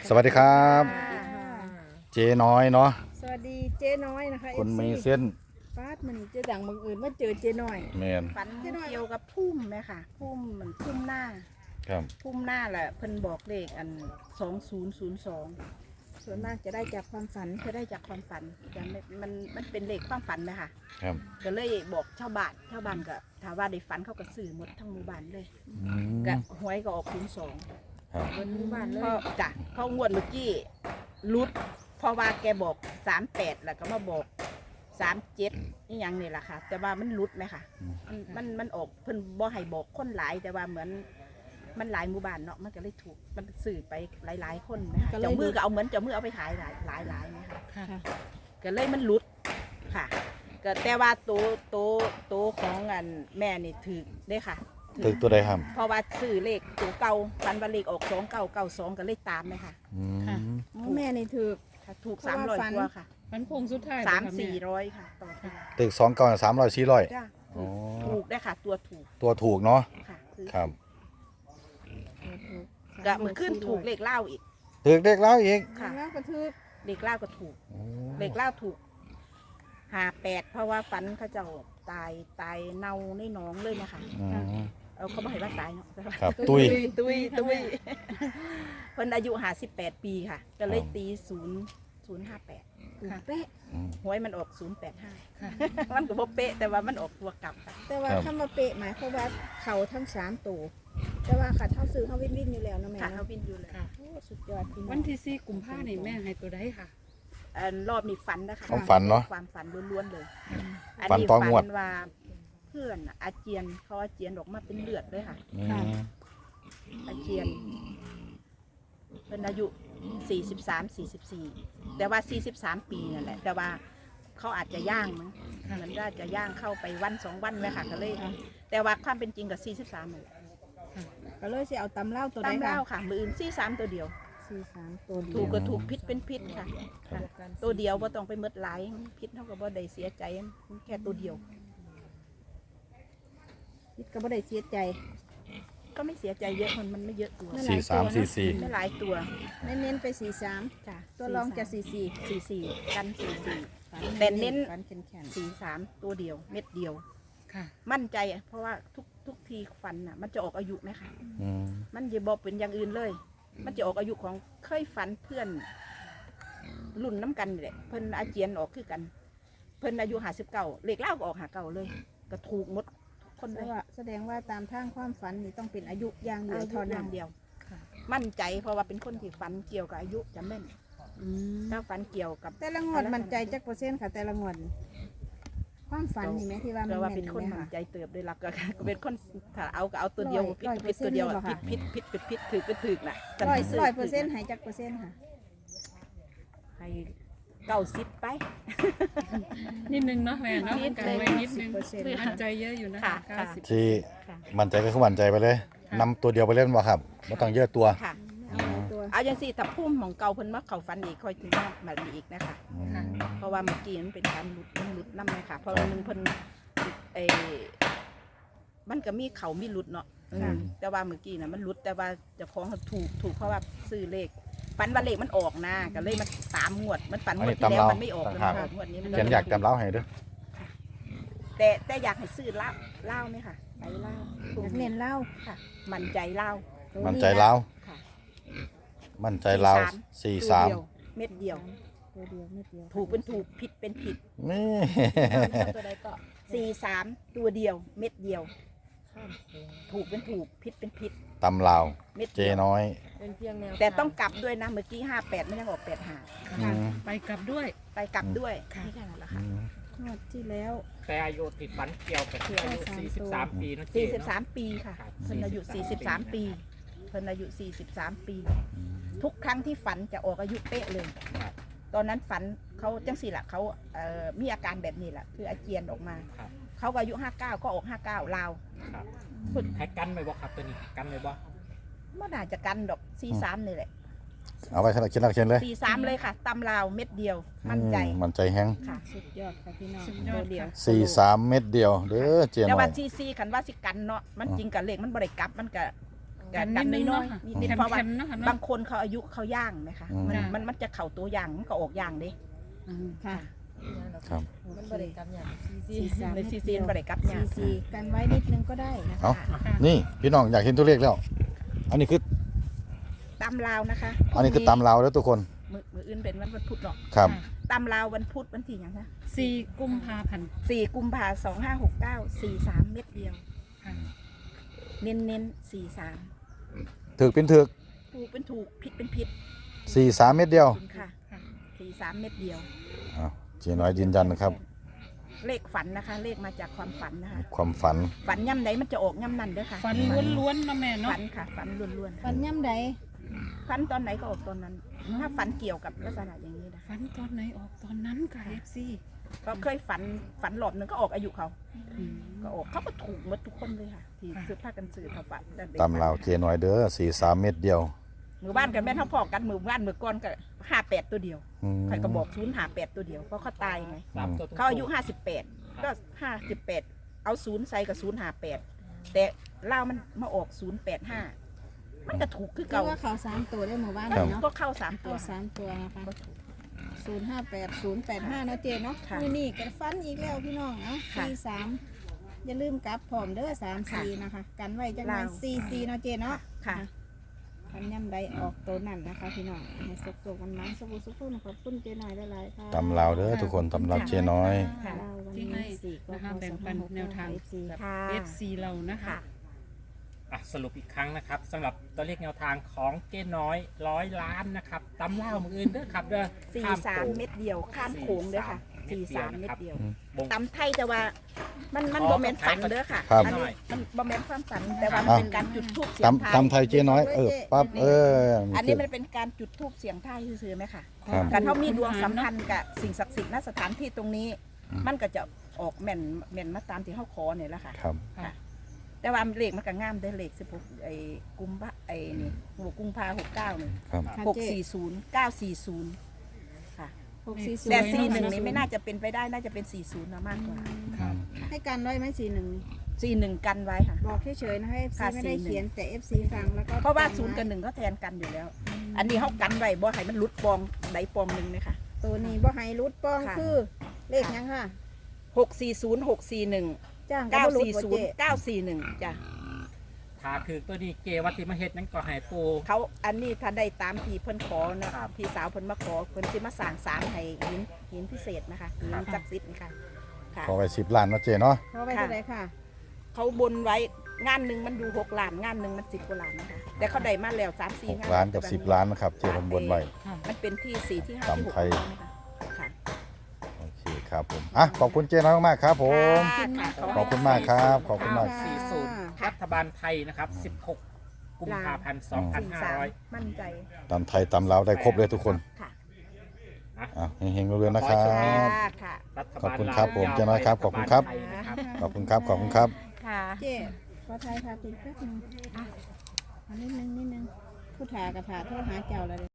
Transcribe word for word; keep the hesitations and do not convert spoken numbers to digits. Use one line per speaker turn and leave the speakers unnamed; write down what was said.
สวัสดีครับเจ๊น้อยเนาะ
สวัสดีเจ๊น้อยนะคะ
คนมีเส้น
ฟาดมันนี่เจ๊ดังบังเอิญมาเจอเจ๊น้อย
แมน
ฝันเกี่ยวกับพุ่มไหมค่ะพุ่มเหมือนพุ่มหน้า
ครับ
พุ่มหน้าแหละเพิ่นบอกเลขอันสองศูนย์ศูนย์สอง
ส่วนมากจะได้จากความฝัน
เพื่อได้จากความฝันแต่ไม่มันมันเป็นเลขความฝันไหมค่ะ
ครับ
ก็เลยบอกชาวบ้านชาวบ้านก็ถามว่าได้ฝันเขาก็ซื้อหมดทั้งหมู่บ้านเลย
อืม
ก็หวยก็ออกศูนย์สอง
ครับ
บนหมู่บ้านเลย
เพราะจ้ะเพราะงวดเมื่อกี้รุดเพราะว่าแกบอกสามแปดแล้วก็มาบอกสามเจ็ดนี่ยังนี่แหละค่ะ แต่ว่ามันรุดไหมค่ะ มันมันมันออกเพิ่นบ่ให้บอกคนหลายแต่ว่าเหมือนมันหลายหมู่บ้านเนาะมันก็เลยถูกมันสื่อไปหลายๆคนนะคะเจ้ามือก็เอาเหมือนเจ้ามือเอาไปขายหลายหลายหลายนะคะ
ค่ะ
ก็เลยมันหลุดค่ะก็แต่ว่าตัวตัวตัวของอันแม่นี่ถือได้ค่ะ
ตึกตัวใดครับ
เพราะว่าซื้อเลขตัวเก่าฟันว่าเลขออกสองเก้าเก้าสองก็เลยตามเลยค่ะ
อืม
แม่นี่ถือ
ค่ะถูก
เพ
สา
ราะ
ม
ว่า
ร้อย
ฟัน
กว่าค่ะ
มันคงสุดท้าย
สาม
บ่คะแ
สี่ร้อยค่ะต่อตัว
ตึกสองเก้าสามร้อยสี่ร้อย
จ้า
อ๋อ
ถูกได้ค่ะ ตัวถูก
ตัวถูกเนาะ
ค่ะคือ
ครับ
ก็มือขึ้นถูกเลขเล่าอีก
ตึกเด็กแล้วอีก
ค่ะ
แล้วก็ถือ
เลขเล่าก็ถูก
โอ้
เลขเล่าถูกหาแปดเพราะว่าฟันเขาเจ้าตายตายเน่าในหนองเลยนะคะ
อืม
เอาเขาบอกให้ว่าตายเนาะ
ครับตุ้ย
ตุยตุยเพิ่นอายุหาสิบแปดปีค่ะ ก็เลยตีศูนย์ศูนย์ห้าแปด
ถูกเป๊ะ
อืม
หวยมันออกศูนย์แปดห้า
ค่ะ
มันก็บ่เป๊ะแต่ว่ามันออกตัวกลับค่ะ
แต่ว่า
ครับ
คำว่าเป๊ะหมายความว่าเขาทั้งสามตัวแต่ว่าขาเท่าซื้อเขาวิ่นวิ่นอยู่แล้วนะแม่
ค่ะเขา
เนาะ
วินอยู่เลย
ค่ะ
โอ้สุดยอดพี่น้อง
วันที่สี่กุมภาพันธ์นี่แม่ให้ตัวใดค่ะ
อันรอบนี้ฝันนะคะ
ความฝันเนาะ
ความฝันล้วนๆเลย
ฝันต่องวด
ฝันว่าเพื่อนน่ะอาเจียนเขาอาเจียนออกมาเป็นเลือดเลยค่ะ
อืม
อาเจียนเป็นอายุสี่สิบสาม สี่สิบสี่แต่ว่าสี่สิบสามปีนั่นแหละ แต่ว่าเขาอาจจะย่างมั้ง
ค่ะ
เหมือนว่าจะย่างเข้าไปวันสองวันเลยค่ะก็เลย แต่ว่าความเป็นจริงกับสี่สิบสามเลย
ก็เลยสิเอาตำเล่าตัว
ตา
ใด
ม
ค่ะ
เล่าค่ะ มืออื่นสี่สามตัวเดียว
สี่สามตัวเดี
ถู
ย
ก
ว
ก็ถูกพิษเป็นพิษค่ะค่ะ ตัวเดียวว่าต้องไปหมดหลายพิษเท่ากับว่าได้เสียใจแค่ตัวเดียว
คิดก็บ่ได้เสียใจ
ก็ไม่เสียใจเยอะมันมันไม่เยอะตัว
นั่นแหละ
สี่สามสี่สี่
ไม่หลายตัว
เน้นๆไปสี่สาม
จ้ะ
ตัวรองจะสี่สี่
สี่สี่กันสี่สี่
ฝั
แต่เน้น
ฝันแข็งๆ
สี่สามตัวเดียว เม็ดเดียว
ค่ะ
มั่นใจอะเพราะว่าทุกทุกทีฟันน่ะ มันจะออกอายุไหมคะ
อืม
มันจะบอกเป็นอย่างอื่นเลย มันจะออกอายุของเคยฝันเพื่อน รุ่นน้ำกันนี่แหละเพิ่นอาเจียนออกคือกัน เพิ่นอายุหาสิบเก้าเลขเล่าก็ออกหาเก้าเลย ก็ถูกหมดทุกคนเล
แสด
ย
งว่าแสดงว่าตามทางความฝันนี่ต้องเป็นอายุอย่างเดียว
อายุ
เท่า
อ
นั้
ย่าน งเดียว
ค่ะ
มั่นใจเพราะว่าเป็นคนที่ฝันเกี่ยวกับอายุจะแม่น
อืม
ถ้าฝันเกี่ยวกับ
แต่ละงวดมันใจจักเปอร์เซ็นต์ค่ะแต่ละงวดนี่ความฝันนี่ไหมที่ว่ามัน
แปลว่า
แม่
เป็น
น
คน
ไหม
มั่น
คะ
ใจเติบโดยหลักก็ก็เป็นคนถ้าเอาก็เอาตัวเดียว
ร้อย
พิษ
ร้อย
พิษตัวเดียว
เปอร์เซ็นต์
พิษ
เลยเหรอคะ
พิษพิษพิษพิษถือก็ถือน่ะ
ร้อยร้อยเปอร์เซ็นต์หายจักเปอร์เซ็นต์ค่ะ
ให้เก้าสิบไป
นิดนึงเนาะแม่เนาะ
นิด
กัน
เลย
ไว้นิดนึง
สิบเปอร์เซ็นต์
มั่นใจเยอะอยู่นะ
ค่ะ
คะ
ค่ะ
เก้าสิบ
ที่
ค่ะ
มั่นใจก็คือมั่นใจไปเลยนำตัวเดียวไปเล่นบ่ครับไม่ต้องเยอะตัว
ค่ะ
เอาหลายตัว
เอาอย่างสี่ถ้าพุ่มของเก่าเพิ่นมาเขาฟันอีกค่อยถึงมามาอีกนะคะ
อืม
เพราะว่าเมื่อกี้มันเป็นการหลุดมันหลุดน้ำเลยค่ะ เพราะว่าหนึงเพิ่นเออมันก็มีเขามีหลุดเนาะอืมแต่ว่าเมื่อกี้น่ะมันหลุดแต่ว่าเจ้าของเขาถูกถูกเพราะว่าซื้อเลขฝันว่าเลขมันออกนะก็เลยมันตามงวด มันฝันงวดที่แล้วมันไม่ออกเลยค่ะงวดนี้มัน
เขียนอยากจำเล้าให้เด้วย
แต่แต่อยากให้ซื้อเหล้าเหล้าไหมค่ะไปเหล้า
อยากเน้นเล่า
ค่ะ มั่นใจเหล้า
มั่นใจเล้า
ค่ะ
มั่นใจเล้าสี่สาม
ตัวเดียวเม็ดเดียว
ตัวเดียวไม่เดียว
ถูกเป็นถูกผิดเป็นผิด
นี่
ตัวใดก็
สี่สามตัวเดียว เม็ดเดียว ถูกเป็นถูกผิดเป็นผิด
ตำลาว
เม็ด
เจ
เดียว
น้อย
เป็นเพียงแนว
แต่ต้องกลับด้วยนะเมื่อกี้ห้าแปดไม่ยังออกแปดหา
อืม
ไปกลับด้วย
ไปกลับด้วย
ค่ะ
นี่แค่นั้นแหละ
อื
ค่ะ
ม
งวดที่แล้ว
แต่อายุติดฝันเกี่ยวกับที่อายุ สี่สิบสาม ปีนะเจ๊
สี่สิบ
เนาะ
สามปีค่ะ
ครับ
เพิ่นอายุสี่สิบสามปีเพิ่นอายุสี่สิบสามปี ทุกครั้งที่ฝันจะออกอายุเป๊ะเลย
ครับ
ตอนนั้นฝันเขาจังสี่ละเขาเอ่อมีอาการแบบนี้แหละคืออาเจียนออกมา
ครับ
เขาก็อายุห้าเก้าก็ออกห้าเก้าลาว
ครับให้กันไหมบ่ครับตัวนี้กันไหมบ่
เมื่อน่าจะกันดอกสี่สามนี่แหละ
เอาไปเขียนเอาเขียนเลย
สี่สามเลยค่ะตำลาวเม็ดเดียว มั่นใจ
อืมมั่นใจแฮง
ค่ะ
สุดยอดค่ะพี่น้อง
สุดยอ
ตัว
ด
เดียว
ค่ะ
สี่สามเม็ดเดียวเด้อเจ
แต่
น้อ
ว่าย ซีซีคันว่าสิกันเนาะมันจริงกับเลขมันบริกลับมันก็กั
กัน น
กั
นิ
น
ดนึง
น้อ
เนาะ
ย
ค่ะ
ๆนิดๆเพราะว่า
แคมๆเนาะค่ะ
บา
เนาะ
งคนเขาอายุเขาย่างไหมคะ
อืม
มัน
จ้ะ
มันมันจะเข่าตัวย่างมันก็ออกย่างเด้
อืม
ค่ะ
ครับ
มันบริกรรมอย่างซี
ใน
เม็ด
ซี
เดี
ซี
ยวน
บริกับ
ซี
ยา
ซีกันไว้นิดนึงก็ได้นะ
เอา
ค่ะ
นี่พี่น้องอยากเห็นตัวเลขแล้ว อันนี้คือ
ตำลาวนะคะ
อันนี้คือตามเราแล้วทุกคน
มือมืออื่นเป็นวันพุธเนาะ
ครับ
ตำลาววันพุธวันที่หยังคะ
สี่กุมภาพันธ์
สี่กุมภาสองห้าหกเก้าสี่สามเม็ดเดียว
ค่ะ
เน้นเน้นสี่สาม
ถือเป็นถือ
ถูกเป็นถูกผิดเป็นผิด
สี่สามเม็ดเดียว
คุณค่ะ
ค่ะ
สี่สามเม็ดเดียว
อ้าวเจ๊น้อยยืนยันนะครับ
เลขฝันนะคะ เลขมาจากความฝันนะคะ
ความฝัน
ฝันย่ำไหนมันจะออกย่ำนั่นเด้อค่ะ
ฟันล้วนๆเนาะแม่เนาะ
ฝันค่ะฝันล้วน
ฟันย่ำใด
ๆฝันตอนไหนก็ออกตอนนั้น ถ้าฝันเกี่ยวกับลักษณะอย่างนี้นะ
ฟันตอนไหนออกตอนนั้นค่ะ เอฟซี
ก็เคยฝันฝันหลอบหนึ่งก็ออกอายุเขา ก็ออกเขาก็ถูกหมดทุกคนเลยค่ะ ที่ซื้อผ้ากันซื้อเขาฝันแต่ด็ก
ตามเราเจ๊น้อยเด้อสี่สามเม็ดเดียว
มือบ้านกันแม่นเท่าพอกันมือบ้านมือก้อนก็ห้าแปดตัวเดียว
อืม
ใครก็บอกศูนย์หาแปดตัวเดียวเพราะเขาตายไง
สามตัวตรงๆ
เขาอายุห้าสิบแปดก็ห้าสิบแปดเอาศูนย์ใส่กับศูนย์หาแปดแต่เล่าวมันมาออกศูนย์แปดห้ามันจะถูกคือ
ก็
เก่า
ว่าเขาสามตัวได้หมู่บ้าน
ครับ
เนาะ
ก็เข้าสามตั
ตัว วสามตัวนะคะศูนย์ห้าแปดศูนย์แปดห้านะเจเนาะ
ค่ะ
นี่นี่กันฟันอีกแล้วพี่น้องเอ้า
ค่ะ
สี่สามอย่าลืมกลับพร้อมเด้อสามสี่นะคะ กันไว้จังหวะ
ลาว
สี่สี่เนาะเจเนาะ
ค่ะ
คันย่ำใดออกตัวนั่นนะคะพี่น้องให้สุกๆกันมาสุกๆสุกๆขอบคุณเจหน่อยหลายๆค่ะ
ตามเราเด้อทุกคนตามเราเจ๊น้อย
ค่ะ
เราวัน
ที่
นี้
ให้
สี่ก็
นะคะแบ่งปันแนวทาง
เอฟซี
ค่ะ
เอฟซีเรานะคะ
ค่ะ
อ่ะสรุปอีกครั้งนะครับสำหรับตัวเลขแนวทางของเก้น้อยร้อยล้านนะครับตำเล่ามืออื่นเด้อครับเด้อ
สี่
ข้
สาม
โขง
เม็ดเดียวข้ามโขงเด้อค่ะ
สี่
สี่สา
สาม ม
เม็ดเดียว
บง
ตำไทยแต่ว่ามันมัน
อ๋อ
โมเมนต์ฝันเด้อค่ะ
ครับ
อันนี้มันโมเมนต์ความฝันแต่ว่ามัน
อ่ะ
เป็นการจุดทูบเสียง
ตาม
ทาย
ตามไทยเจ๊น้อย เออ ปั๊บ เออ
อันนี้มันเป็นการจุดทูบเสียงทายซื่อๆไหมค่ะ
ครับ
การเขามีดวงสัมพันธ์กับสิ่งศักดิ์สิทธิ์ณสถานที่ตรงนี้
อืม
มันก็จะออกแม่นแม่นมาตามที่เขาขอเนี่ยแหละค่ะ
ครับ
ค่ะ แต่ว่าเลขมันก็งามได้อเลขสิบหกไอ้กุมภาไอ้นี่หัวกุมภาหกเก้านี่
ครับ
ค่ะ
หก
เจ๊
สี่ศูนย์เก้าสี่ศูนย์ค่ะ
หกสี่ศูน
แต่
ย์
สี่หนึ่งนี่ไม่น่าจะเป็นไปได้น่าจะเป็นสี่ศูนย์นะมากกว่า
ครับ
ให้กันไว้ไหมสี่หนึ่ง
สี่หนึ่งกันไว้ค่ะ
บอกเฉยๆนะให้ เอฟซี
ค่ะ
ไม่ได้
สี่หนึ่ง
เขียนแต่ เอฟซี ฟังแล้วก็
เพราะว่า
จำไ
ศูนย์กับหนึ่งเขาแทนกันอยู่แล้ว อันนี้เขากันไว้บ่ให้มันหลุดปองใดปองหนึ่งเลยค่ะ
ตัวนี้บ่ให้รุดป้อง
ค่ะ
คือเลขหยังค่ะ
หกสี่ศูนย์หกสี่หนึ่ง
จ้าง
เก้า
บ่รุด
สี่
บ่
ศูน
เจ๊
ย์เก้าสี่หนึ่งจ้ะ
ถ้าคือตัวนี้เกวัติมาเฮ็ดนั้นก็ให้ปู
เขาอันนี้ถ้าได้ตามที่เพิ่นขอนะครับ พี่สาวเพิ่นมาขอเพิ่นสิมาสร้างศาลให้หินหินพิเศษนะคะหิน
ครับ
ศักดิ์สิทธิ์นี่ค่ะค่ะ
ขอไปสิบล้านเนาะเจ๊เนาะ
เขาไว้เท่าไหร่ค่ะ
เขาบนไว้งานหนึ่งมันอยู่หกล้านงานหนึ่งมันสิบกว่าล้านนะคะแต่เขาได้มาแล้วสามสี่
หก
งาน
ล้านกับสิบล้านนะครับ เจ๊ผมบนไว้
มันเป็นที่สี่ที่ห้า
ตาม
ที่หก
ไทย
นะคะค่ะ
โอเคครับผม อ่ะ ขอบคุณเจ๊น้อยมากๆครับผม
ค่ะ
ขอบคุณมากครับ ขอบคุณมาก
ค่ะ
สี่ศูนย์รัฐบาลไทยนะครับสิบหกกุมภาพันธ์สองพัน
สี่
ห้า
สาม
ร้อย
มั่นใจ
ตามไทยตามเราวได้ครบเลยทุกคน
ค่ะ
อ่ะเฮงๆเรื่อยๆนะครับ
ค่ะค่ะ
รัฐ
ขอบ
บาล
คุณครับผมเจ๊น้อยครับขอบคุณครับ
ฐาลไทยนะครับ
ขอบคุณครับ ขอบคุณครับ
ค่ะ
เจ๊ขอไทยค่ะติดแป๊บนึงอ่ะอันนิดนึงนิดนึงผู้ถากระถาโทษหาเจ้าแล้ว